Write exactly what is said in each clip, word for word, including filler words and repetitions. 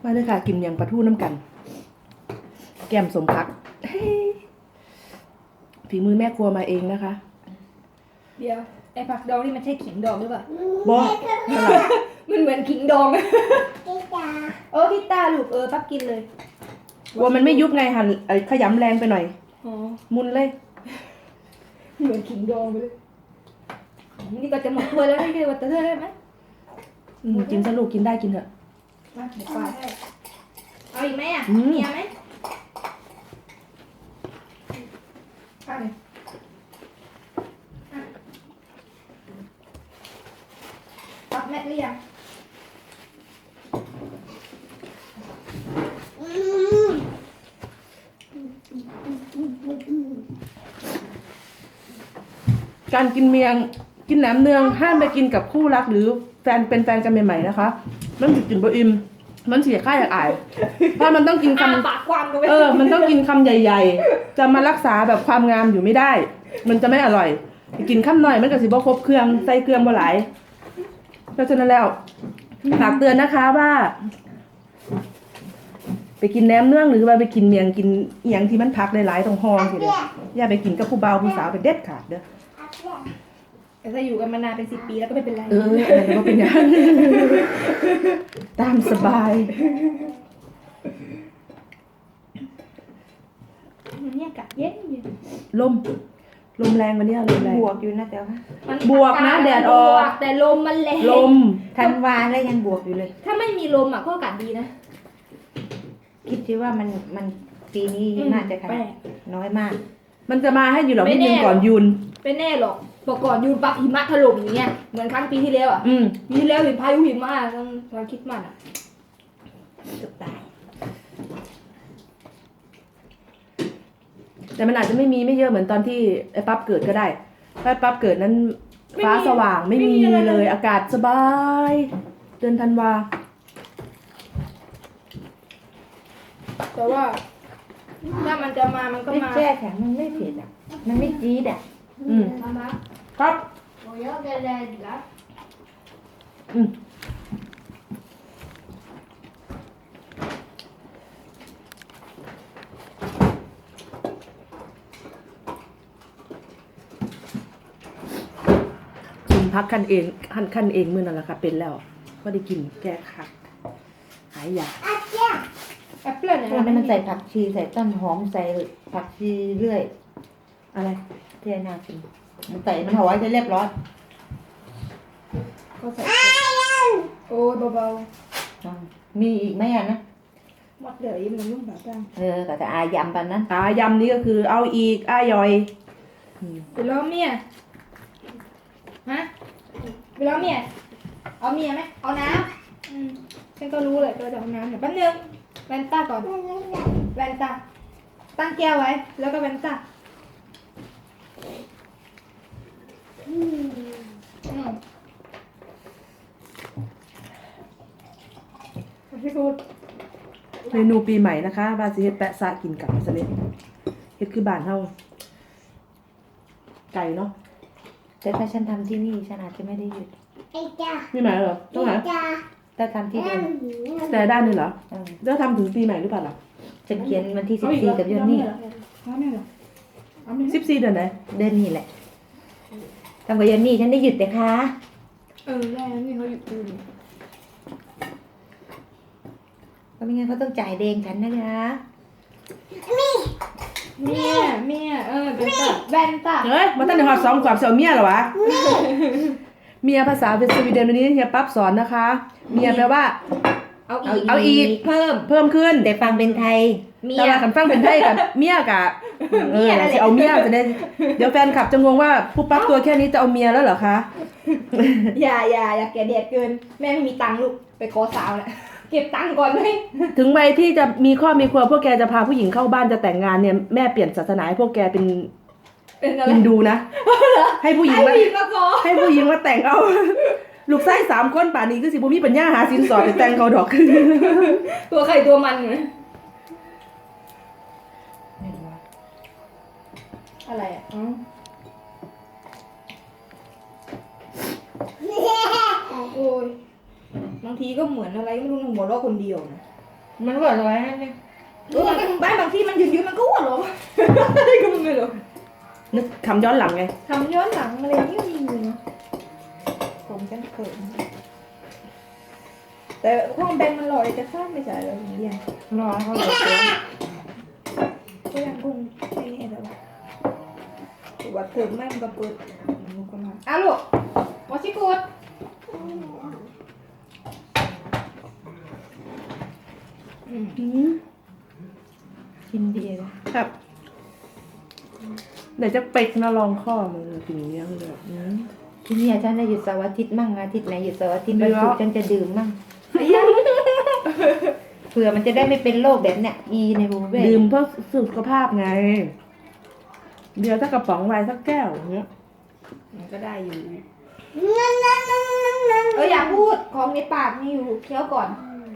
มาเลยค่ะกินอย่างปลาทูน้ำกันแก้มสมพักฝีมือแม่ครัวมาเองนะคะเดี๋ยวไอ้ผักดองนี่มันใช่ขิงดองหรือเปล่าบอกมันเหมือนขิงดองเออพี่ตาลูกเออปั๊บกินเลยกลัวมันไม่ยุบไงหันขยำแรงไปหน่อยมุนเลยเหมือนขิงดองไปเลยนี่ก็จะหมดตัวแล้วนี่ก็ว่าจะเท่าได้ไหมกินสนุกกินได้กินเถอะมาเดี๋ยวปลาให้เอาอีกไหมอ่ะมีไหมข้าวหนึ่งปักแม่หรือยังการกินเมียงกินแหนมเนืองห้ามไปกินกับคู่รักหรือแฟนเป็นแฟนกันใหม่ๆนะคะมันจะกินบะอิมมันเสียค่าอยากอายเพราะมันต้องกินคำปากกว้างกันไปเออมันต้องกินคำใหญ่ๆจะมารักษาแบบความงามอยู่ไม่ได้มันจะไม่อร่อยกินคำหน่อยมันก็สิบ่ครบเครื่องใส่เครื่องบ่หลายเพราะฉะนั้นแล้วฝากเตือนนะคะว่าไปกินแหนมเนืองหรือว่าไปกินเมียงกินเอียงที่มันพักหลายๆตรงห้องทีเดียวอย่าไปกินกับผู้บ่าวผู้สาวเป็นเด็ดขาดเด้อแต่ถ้าอยู่กันมานานเป็นสิบปีแล้วก็ไม่เป็นไรเอออะไรก็เป็นอย่างตามสบายเนี่ยกัดเย็นอยู่ลมลมแรงวันนี้ลมแรงบวกอยู่นะแต่ว่าบวกนะแดดออกแต่ลมมันแรงลมธันวาแล้วยังบวกอยู่เลยถ้าไม่มีลมอ่ะก็อากาศดีนะคิดที่ว่ามันมันปีนี้น่าจะขนาดน้อยมากมันจะมาให้อยู่หรอนิดนึงก่อนยุนไม่แน่หรอกบอกก่อนยูนปักหิมะถล่มอย่างเงี้ยเหมือนครั้งปีที่แล้วอ่ะปีที่แล้วเห็นพายุหิมะตอนตอนคิดมันอ่ะเกือบตายแต่มันอาจจะไม่มีไม่เยอะเหมือนตอนที่ไอ้ปั๊บเกิดก็ได้ถ้าปั๊บเกิดนั้นฟ้าสว่างไม่มีเลยอากาศสบายเดือนธันวาแต่ว่าถ้ามันจะมามันก็ไม่มาแช่แข็งมันไม่เผ็ดอ่ะมันไม่จี๊ดอ่ะอืมครับอืมพักคันเองคันคันเองมือนั่นแหละค่ะเป็นแล้วก็ได้กินแก้คักหายยาแอปเปิ้ลเนี่ยมันใส่ผักชีใส่ต้นหอมใส่ผักชีเรื่อยอะไรเทียนากินมันใส่มันเอาไว้จะเรียบร้อยก็ใส่โอ้เบาๆมีอีกไหมอ่ะนะหมดเดี๋ยวยิ้มมันยุ่งแบบนั้นเออแต่จะอายำปันนั้นอายำนี้ก็คือเอาอีกอายอยไปล้อเมียฮะไปล้อเมียเอาเมียไหมเอาน้ำอืมฉันก็รู้เลยตัวจะเอาน้ำเดี๋ยวแป๊บนึงแวนต้าก่อนแวนต้าตั้งแก้วไว้แล้วก็แวนต้าอืมอืมพี่พูดเมนูปีใหม่นะคะบาซิเฮ็ดแปะซากินกับสลิดเฮ็ดคือบ้านเฮาไก่เนาะแต่ถ้าฉันทำที่นี่ฉันอาจจะไม่ได้หยุดปีใหม่เหรอต้องไหนถ้าทำที่เดิมแต่ด้านนี่เหรอจะทำถึงปีใหม่หรือเปล่าล่ะฉันเขียนวันที่สิบสี่กับยนนี่สิบสี่เดือนไหนเดือนนี้แหละทำกับยนนี่ฉันได้หยุดแต่คะเออแม่นี่เขาหยุดดูก็ไม่งั้นเขาต้องจ่ายเดงฉันนะคะเมียเมียเออแว่นตาแว่นตาเฮ้ยมาตั้งแต่หอดสองขวบเสี่ยวเมียเหรอวะเมียภาษาเป็นสวีเดนวันนี้เฮียปั๊บสอนนะคะเมียแปลว่าเอาอีกเอาอีกเพิ่มเพิ่มขึ้นแต่ฟังเป็นไทยเมียกันฟังเป็นไทยกับเมียกับเออจะเอาเมียจะได้เดี๋ยวแฟนคลับจะงงว่าผู้ปั๊บตัวแค่นี้จะเอาเมียแล้วเหรอคะอย่าอย่าอย่าแก่เด็ดเกินแม่ไม่มีตังค์ลูกไปขอสาวแหละเก็บตังค์ก่อนไหมถึงวัยที่จะมีครอบมีครัวพวกแกจะพาผู้หญิงเข้าบ้านจะแต่งงานเนี่ยแม่เปลี่ยนศาสนาให้พวกแกเป็นฮินดูนะให้ผู้หญิงมาให้ผู้หญิงมาแต่งเอาลูกไส้สามคนป่านนี้คือสิบุมีปัญญาหาสินสอดไปแต่งเขาดอกตัวใครตัวมันไงอะไรอ่ะโอ้ยบางทีก็เหมือนอะไรไม่รู้หนูหัวเราะคนเดียวนะมันหัวร้อยนั่นเองเออมันบ้านบางที่มันยืนยืนมันก็หัวเราะอะไรก็ไม่รู้นึกคำย้อนหลังไงทำย้อนหลังอะไรนี่มีอยู่เนาะผมกันเขินแต่ห้องแบงค์มันลอยจะข้ามไม่ใช่แล้วอย่างเงี้ยรอเขาเลยตัวก็ยังคงไม่แน่แต่ว่าถือว่าเติมแม่งก็เปิดลูกก็มาอ้าวลูกวอชิกูดอืมอืมกินดีเลยครับเดี๋ยวจะเป็กนะลองข้อมือถึงเนี้ยคือแบบอืมที่นี่ฉันจะหยุดเสาร์อาทิตย์มั่งอาทิตย์ไหนหยุดเสาร์อาทิตย์เดี๋วัยนวศุกร์ฉันจะดื่มมั่งเผื่อมันจะได้ไม่เป็นโรคแบบเนี้ยอีในบูเบ้ดื่มเพื่อสุขภาพไง เดี๋ยวถ้ากระป๋องไวน์สักแก้วอย่างเงี้ยมันก็ได้อยู่เอออย่าพูดของในปากมีอยู่เคี้ยวก่อน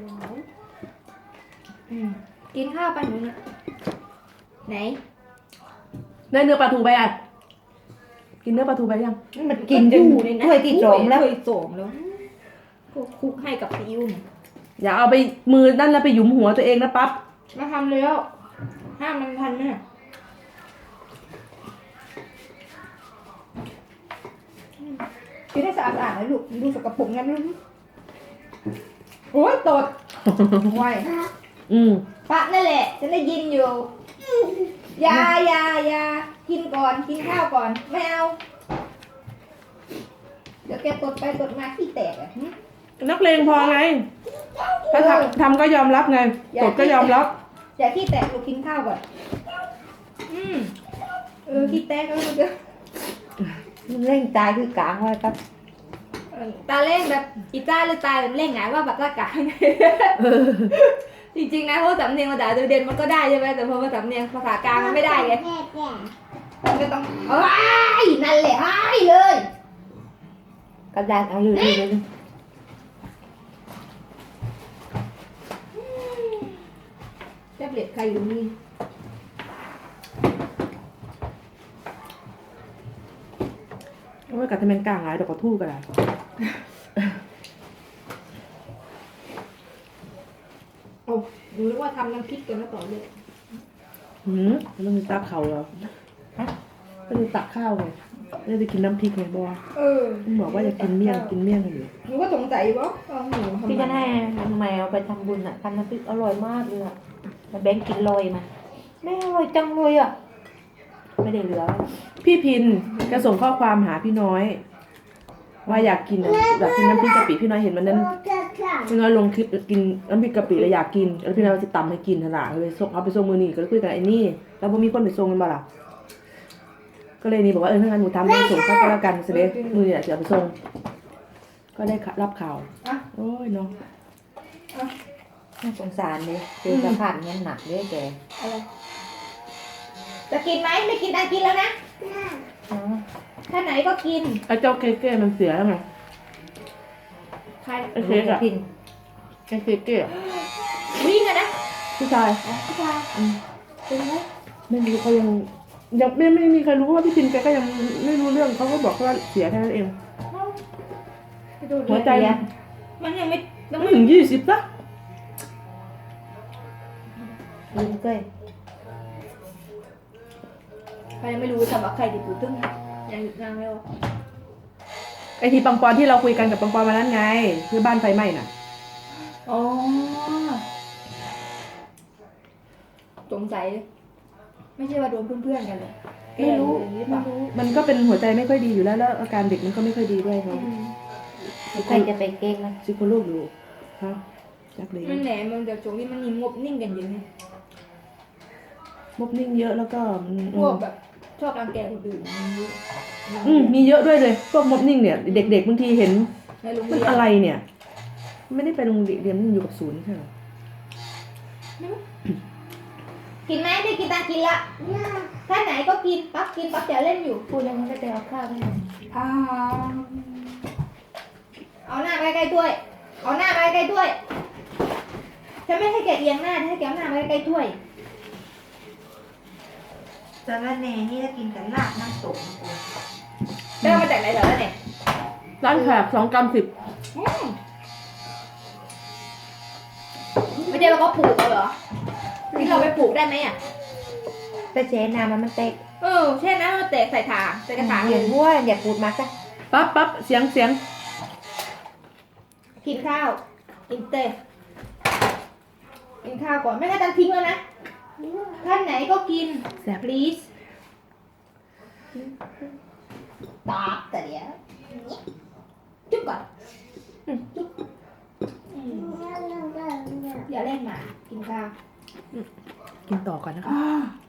อืมกินข้าวไปหนูนะไหนได้เนื้อปลาทูไปอ่ะ กินเนื้อปลาทูไปยังมันกินจนถ้วยที่สองแล้วถ้วยสองแล้วก็คลุกให้กับซีอิ๊วเนี่ยอย่าเอาไปมือนั่นแล้วไปหยุมหัวตัวเองนะปั๊บมาทำแล้วห้ามมันทันเนี่ยกินให้สะอาดๆนะลูกดูสกปรกงั้นลูกโอ้ยตดไวอืมปะนั่นแหละฉันได้ยินอยู่อยาอยาอยากินก่อนกินข้าวก่อนไม่เอาเดี๋ยวแกตดไปตดมาขี้แตกอ่ะหึนักเลงพอไง ถ้าทำทำก็ยอมรับไงกดก็ยอมรับอย่าขี้แตกลูกกินข้าวก่อนอืมเออขี้แตกก็มันจะมันเร่งตายคือกลางไว้ครับเออตาเล่งแบบอีจ้าหรือตายแบบเล่งไงว่าแบบตากางจริงๆนะเพราะสำเนียงภาษาเด่นมันก็ได้ใช่ไหมแต่พอมาสำเนียงภาษากลางมันไม่ได้ไงมันก็ต้องเอ้ยนั่นแหละไอ้เลยกระดานเอาอยู่ดีเลยแท็บเล็ตใครอยู่นี่เอาไว้กับทำเป็นกลางหลายดอกกระทู่กันละโอ้ดูนึกว่าทำน้ำพริกกันมาต่อเลยหืมมันมีตักเขาเหรอฮะไม่ได้ตักข้าวไงไม่ได้กินน้ำพริกไงบอเออมันบอกว่าจะกินเมี่ยงกินเมี่ยงกันอยู่หนูก็สงสัยว่าเอาหนูมาทำไมพี่จะให้แมวไปทำบุญอ่ะทำน้ำพริกอร่อยมากเลยอ่ะแล้วแบงค์กินลอยมาแม่อร่อยจังเลยอ่ะไม่ได้เหลือพี่พินก็ส่งข้อความหาพี่น้อย ว่าอยากกินอยากกินน้ำพริกกะปิพี่น้อยเห็นมันนั้นพี่น้อยลงคลิปกินน้ำพริกกะปิแล้วอยากกินแล้วพี่น้อยจะตำให้กินขนาดเลยส่งเอาไปส่งมือนี่ก็เลยคุยกับไอ้นี่แล้วพอมีคนไปส่งกันบ่ล่ะก็เลยนี่บอกว่าเออถ้างั้นหนูทำให้ส่งเข้าก็แล้วกันสิเด้มือนี่แหละจะเอาไปส่งก็ได้รับข่าวอ่ะโอ้ยเนาะน่าสงสารเลยเจอสภาพเนี้ยหนักเลยแกอะไรจะกินไหมไม่กินอ่ะกินแล้วนะอ๋อถ้าไหนก็กินไอ้เจ้าเก้ๆมันเสียแล้วไงใครไอ้เค้กอะพินไอ้เก้ๆอะวิ่งอะนะผู้ชายอ๋อผู้ชายอืมเป็นไหมไม่รู้เขายังยังไม่ไม่มีใครรู้ว่าพี่พินแกก็ยังไม่รู้เรื่องเขาก็บอกว่าเสียแค่นั้นเองไปดูหัวใจมันยังไม่ยังไม่ไม่ถึงยี่สิบนะพินเก้ยใครยังไม่รู้สำหรับใครติดอยู่ตึ้งยังยังไม่รู้ไอทีปังปอนที่เราคุยกันกับปังปอนมานั้นไงคือบ้านไฟไหม้น่ะอ๋อสงสัยไม่ใช่ว่าโดนเพื่อนๆกันเลยไม่รู้แกอย่างนี้หรือเปไม่ล่ารู้มันก็เป็นหัวใจไม่ค่อยดีอยู่แล้วแล้วอาการเด็กมันก็ไม่ค่อยดีด้วยเขาอืมใครจะไปเก้งนะซิโคโลกอยู่ฮะจักเลยมันแหนมันจากช่วงนี้มันมีงบนิ่งกันเยอะไงมบนิ่งเยอะแล้วก็อืมพวกแบบชอบรังแกคนอื่นมันเยอะอืมมีเยอะด้วยเลยพวกมบนิ่งเนี่ยเด็กๆบางทีเห็นในโรงมันเรียนอะไรเนี่ย ไม่ได้ไปโรงเรียนมันอยู่กับศูนย์ใช่ไหมกินไหมไม่กินตากินละถ้าไหนก็กินปั๊บกินปั๊บจะเล่นอยู่พูดแล้วมันก็จะเอาข้าวให้หน่อยอ่าเอาหน้าไปใกล้ๆถ้วย เอาหน้าไปใกล้ๆถ้วยฉันไม่ให้แกเอียงหน้าฉันให้แกเอาหน้าไปใกล้ๆถ้วยสารแหน่นี่ถ้ากินกับลาบน้ำตกนะกูได้มาจากไหนเหรอเนี่ยร้านแขกสองกรัมสิบอืมไม่ไม่ได้เราก็ปลูกเอาเหรอที่เราไปปลูกได้ไหมอ่ะแต่แช่น้ำมันมันแตกเออแช่น้ำมันแตกใส่ถาดใส่กระถางอย่างวัวอย่าพูดมากจ้ะปั๊บปั๊บเสียงเสียงกินข้าวกินเตะกินข้าวก่อนไม่งั้นจะทิ้งแล้วนะท่านไหนก็กินแซ่บ please ตาบแต่เดี๋ยวจุ๊บก่อนอืมจุ๊บอืมอย่าเล่นหมากินข้าวกินต่อก่อนนะคะ